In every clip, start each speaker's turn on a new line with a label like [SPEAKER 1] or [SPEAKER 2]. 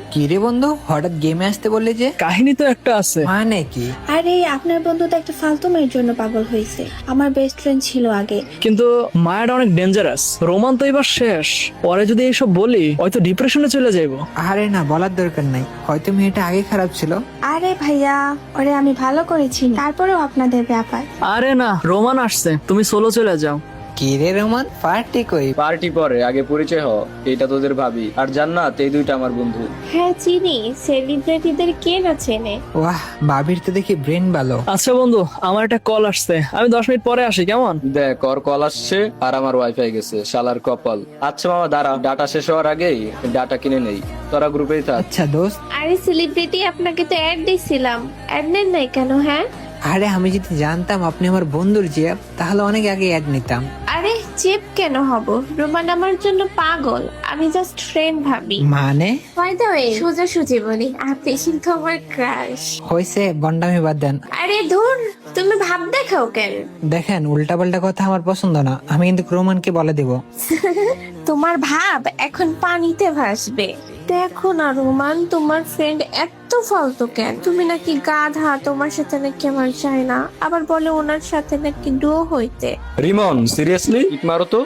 [SPEAKER 1] কি রে বন্ধু, হঠাৎ গেমে আসতে বললে যে?
[SPEAKER 2] কাহিনী তো একটা আছে।
[SPEAKER 1] মানে কি?
[SPEAKER 3] আরে আপনার বন্ধু তো একটা ফালতু মেয়ের জন্য পাগল হয়েছে। আমার বেস্ট ফ্রেন্ড ছিল আগে।
[SPEAKER 2] কিন্তু মায়াটা অনেক ডেঞ্জারাস। রোমান তো এবার শেষ। পরে যদি এইসব বলি হয়তো ডিপ্রেশনে চলে যাইবো।
[SPEAKER 1] আরে না, বলার দরকার নাই, হয়তো মেয়েটা আগে খারাপ ছিল।
[SPEAKER 3] আরে ভাইয়া, ওরে আমি ভালো করেছি, তারপরেও আপনাদের ব্যাপার।
[SPEAKER 2] আরে না, রোমান আসছে, তুমি সোলো চলে যাও।
[SPEAKER 1] কি রে রোমান, পার্টি কই?
[SPEAKER 4] পার্টি পরে, আগে পরিচয় হ। এটা তোদের ভাবি, আর জান্নাত, এই দুইটা আমার বন্ধু।
[SPEAKER 5] হ্যাঁ চিনি, সেলিব্রিটিদের কে না চেনে।
[SPEAKER 1] ওয়াহ, ভাবির তো দেখি ব্রেন ভালো।
[SPEAKER 2] আচ্ছা বন্ধু, আমার একটা কল আসছে, আমি 10 মিনিট পরে আসি, কেমন?
[SPEAKER 4] দেখ, ওর কল আসছে আর আমার ওয়াইফাই গেছে, শালার কপাল। আচ্ছা মামা দাঁড়া, ডাটা শেষ হওয়ার আগেই ডাটা কিনে নেই। তোরা গ্রুপেই থাক।
[SPEAKER 1] আচ্ছা দোস্ত।
[SPEAKER 5] আরে সেলিব্রিটি, আপনাকে তো অ্যাড দিছিলাম, অ্যাড নেন নাই কেন? হ্যাঁ
[SPEAKER 1] আরে আমি যদি জানতাম আপনি আমার বন্ধুর জিয়াব, তাহলে অনেক আগে অ্যাড নিতাম।
[SPEAKER 5] আরে চেপ কেন হব? রোমান আমার জন্য পাগল, আমি জাস্ট ফ্রেন্ড ভাবি।
[SPEAKER 1] মানে?
[SPEAKER 5] বাই দ্য ওয়ে, সোজাসুজি বলি, আপনি কিন্তু আমার ক্রাশ।
[SPEAKER 1] হয়েছে, বন্ডামি বাদ দেন।
[SPEAKER 5] আরে ধুর, তুমি ভাব দেখাও কেন?
[SPEAKER 1] দেখেন, উল্টাপাল্টা কথা আমার পছন্দ না, আমি কিন্তু রোমানকে বলে দেব।
[SPEAKER 5] তোমার ভাব এখন পানিতে ভাসবে। দেখো না রোমান, তোমার ফ্রেন্ড এত ফালতু কেন? তুমি নাকি গাধা, তোমার সাথে নাকি আমার চাই না, আবার বলে ওনার সাথে নাকি ডো হইতে।
[SPEAKER 4] রিমন, সিরিয়াসলি কিক মারো তো।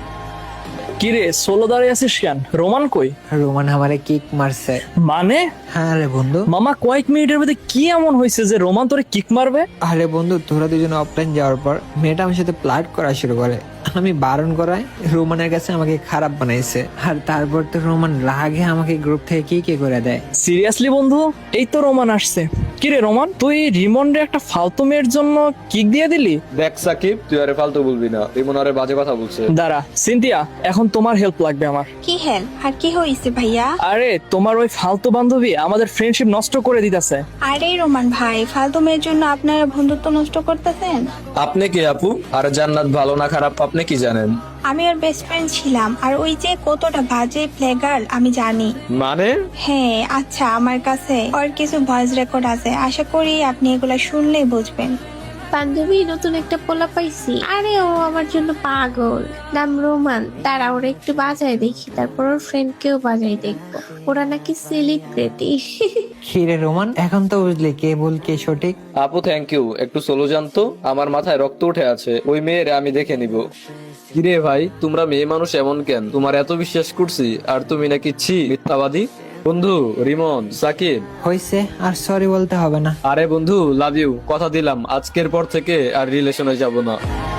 [SPEAKER 2] কি রে, সোলো দাঁড়িয়ে আছিস কেন? রোমান কই?
[SPEAKER 1] রোমান আমারে কিক মারছে।
[SPEAKER 2] মানে?
[SPEAKER 1] হ্যাঁ রে বন্ধু।
[SPEAKER 2] মামা, কয়েক মিনিটের মধ্যে কি এমন হয়েছে যে রোমান তোরে কিক মারবে?
[SPEAKER 1] আরে বন্ধু, তোরা দুজনে অফলাইন যাওয়ার পর মেয়েটা আমার সাথে ফ্লার্ট করা শুরু করে। আমি বারণ করায় রোমানের কাছে আমাকে খারাপ বানাইছে, আর তারপর তো রোমান রাগে আমাকে গ্রুপ থেকে কি করে দেয়।
[SPEAKER 2] সিরিয়াসলি বন্ধু, এই তো রোমান আসছে। কি রে রোমান, তুই রিমন্ডে একটা ফালতু মেয়ের জন্য কিক দিয়ে দিলি?
[SPEAKER 4] দেখ সাকিব, তুই আরে ফালতু বলবি না, রিমন আরে বাজে কথা বলছে।
[SPEAKER 2] দাঁড়া সিনথিয়া, এখন তোমার হেল্প লাগবে আমার।
[SPEAKER 3] কি হেল্প আর কি হয়েছে ভাইয়া?
[SPEAKER 2] আরে তোমার ওই ফালতু বান্ধবী আমাদের ফ্রেন্ডশিপ নষ্ট করে দিতেছে।
[SPEAKER 3] আরে রোমান ভাই, ফালতু মেয়ের জন্য আপনারা বন্ধুত্ব নষ্ট করতেছেন?
[SPEAKER 4] আপনি কি আপু? আর জান্নাত ভালো না খারাপ আপনি কি জানেন?
[SPEAKER 3] আমি ওর বেস্ট ফ্রেন্ড ছিলাম, আর ওই যে কতটা বাজে প্লে গার্ল আমি জানি।
[SPEAKER 4] মানে?
[SPEAKER 3] হ্যাঁ, আচ্ছা আমার কাছে ওর কিছু ভয়েস রেকর্ড আছে, আশা করি আপনি এগুলা শুনলেই বুঝবেন।
[SPEAKER 5] বান্ধবী, নতুন একটা পোলা পাইছি, আরে ও আমার জন্য পাগল, নাম রোমান। তারা ওরা একটু বাজায় দেখি, তারপর ওর ফ্রেন্ড কেও বাজাই দেখবো। ওরা নাকি সেলিব্রিটি।
[SPEAKER 1] খিরে রোমান, এখন তো বুঝলি কে ভুল কে সঠিক।
[SPEAKER 4] আপু থ্যাংক ইউ, একটু সোলো জানতো, আমার মাথায় রক্ত উঠে আছে। ওই মেয়ের আমি দেখে নিব। কিরে ভাই, তোমরা মেয়ে মানুষ এমন কেন? তোমার এত বিশ্বাস করছি, আর তুমি নাকি ছি মিথ্যাবাদী। বন্ধু রিমন, সাকিব।
[SPEAKER 1] হয়েছে, আর সরি বলতে হবে না।
[SPEAKER 4] আরে বন্ধু, লাভ ইউ, কথা দিলাম আজকের পর থেকে আর রিলেশনে যাব না।